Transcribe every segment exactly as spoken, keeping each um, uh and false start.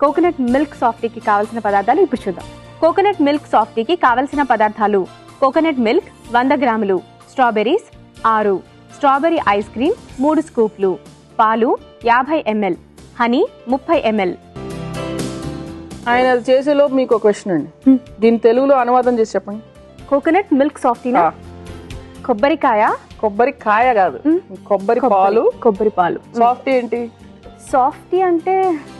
Coconut milk సాఫ్టీకి కావాల్సిన పదార్థాలు ఇప్పుడు చూద్దాం. కోకోనట్ మిల్క్ సాఫ్టీకి కావలసిన పదార్థాలు కోకోనట్ మిల్క్ వంద గ్రాములు, స్ట్రాబెర్రీస్ ఆరు, స్ట్రాబెర్రీ ఐస్ క్రీమ్ మూడు స్కూప్లు, పాలు యాభై ఎంఎల్, హనీ ముప్పై ఎంఎల్. ఆయన అది చేసేలోపు మీకు ఒక క్వశ్చన్ అండి, దీని తెలుగులో అనువాదం చేసి చెప్పండి. కోకోనట్ మిల్క్ సాఫ్టీనా? కొబ్బరికాయ. కొబ్బరికాయ కాదు, కొబ్బరి పాలు. కొబ్బరి పాలు. సాఫ్టీ ఏంటి? సాఫ్టీ అంటే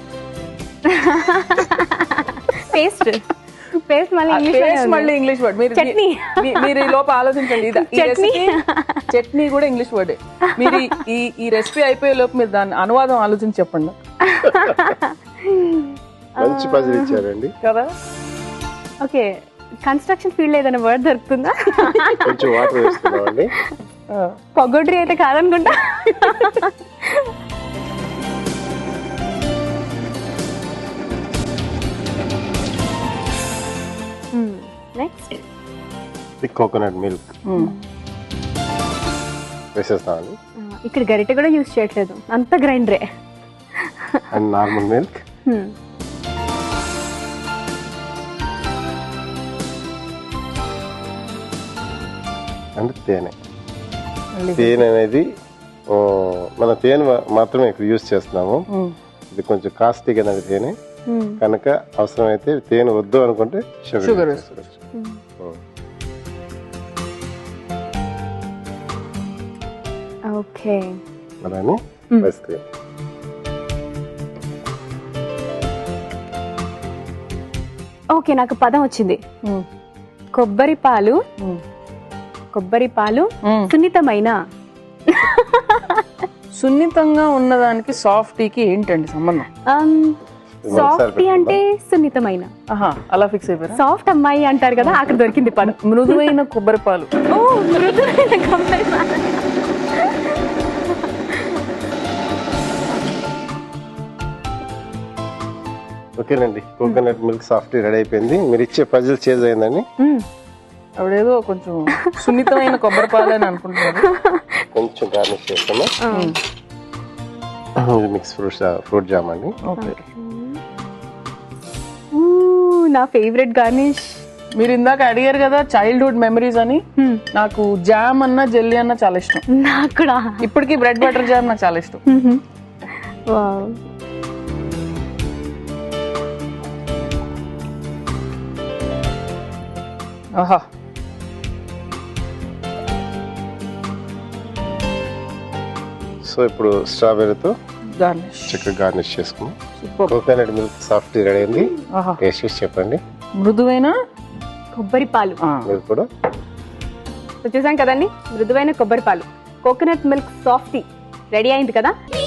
పేస్ట్. పేస్ట్ మళ్ళీ ఇంగ్లీష్ మళ్ళీ ఇంగ్లీష్ వర్డ్. మీరు చట్నీ. మీరు ఈ లోపు ఆలోచించండి, చట్నీ కూడా ఇంగ్లీష్ వర్డే. మీరు ఈ ఈ రెసిపీ అయిపోయే లోపు మీరు దాని అనువాదం ఆలోచించి చెప్పండి. మంచి పజిల్ ఇచ్చారండి కదా. ఓకే, కన్స్ట్రక్షన్ ఫీల్డ్ ఏదైనా వర్డ్ దొరుకుతుందా? కొంచెం వాటర్ వేస్తున్నామండి. పొగొడ్రి అయితే కాదనుకుంటా. నెక్స్ట్ కోకోనట్ మిల్క్ వేసేస్తామండి. ఇక్కడ గరిటె కూడా యూజ్ చేయట్లేదు, అంత గ్రైండరే. And normal milk. అండ్ తేనె. తేనె అనేది మన తేనె మాత్రమే ఇక్కడ యూజ్ చేస్తున్నాము. ఇది కొంచెం కాస్ట్లీ కదా తేనె, కనుక అవసరమైతే తేనె వద్దు అనుకుంటే షుగర్ వేసుకోవచ్చు. ఓకే, అలానే ఐస్ క్రీమ్. ఓకే, నాకు పదం వచ్చింది. కొబ్బరి పాలు. కొబ్బరి పాలు సున్నితమైన. సున్నితంగా ఉన్నదానికి సాఫ్టీకి ఏంటండి సంబంధం? సాఫ్టీ అంటే సున్నితమైన. అలా ఫిక్స్ అయిపోయారు. సాఫ్ట్ అమ్మాయి అంటారు కదా, అక్కడ దొరికింది పదం. మృదువైన కొబ్బరి పాలు. ఓ, మృదువైన కొబ్బరి పాలు. ఓకేనండి, కోకోనట్ మిల్క్ సాఫ్టీ రెడీ అయిపోయింది. మీరు ఇచ్చే పజిల్ చేంజ్ అయిందండి. అవిడేదో కొంచెం సున్నితమైన కొబ్బరి పాలు అని అనుకుంటున్నారు. కొంచెం గార్నిష్ చేస్తాము. మిక్స్ ఫ్రూట్ ఫ్రూట్ జామ్ అండి. నా ఫేవరెట్ గార్నిష్. మీరు ఇందాక అడిగారు కదా చైల్డ్హుడ్ మెమరీస్ అని, నాకు జామ్ అన్నా జెల్లీ అన్నా చాలా ఇష్టం. నాకు కూడా. ఇప్పటికీ బ్రెడ్ బటర్ జామ్ నాకు చాలా ఇష్టం. ఆహా, సో ఇప్పుడు స్ట్రాబెర్రీతో గార్నిష్ చక్కగా గార్నిష్ చేసుకున్నాం. కోకోనట్ మిల్క్ సాఫ్టీ రెడీ అయింది. టేస్ట్ చేసి చెప్పండి. మృదువైన కొబ్బరి పాలు. మీరు కూడా చూసాం కదండి, మృదువైన కొబ్బరి పాలు, కోకోనట్ మిల్క్ సాఫ్టీ రెడీ అయింది కదా.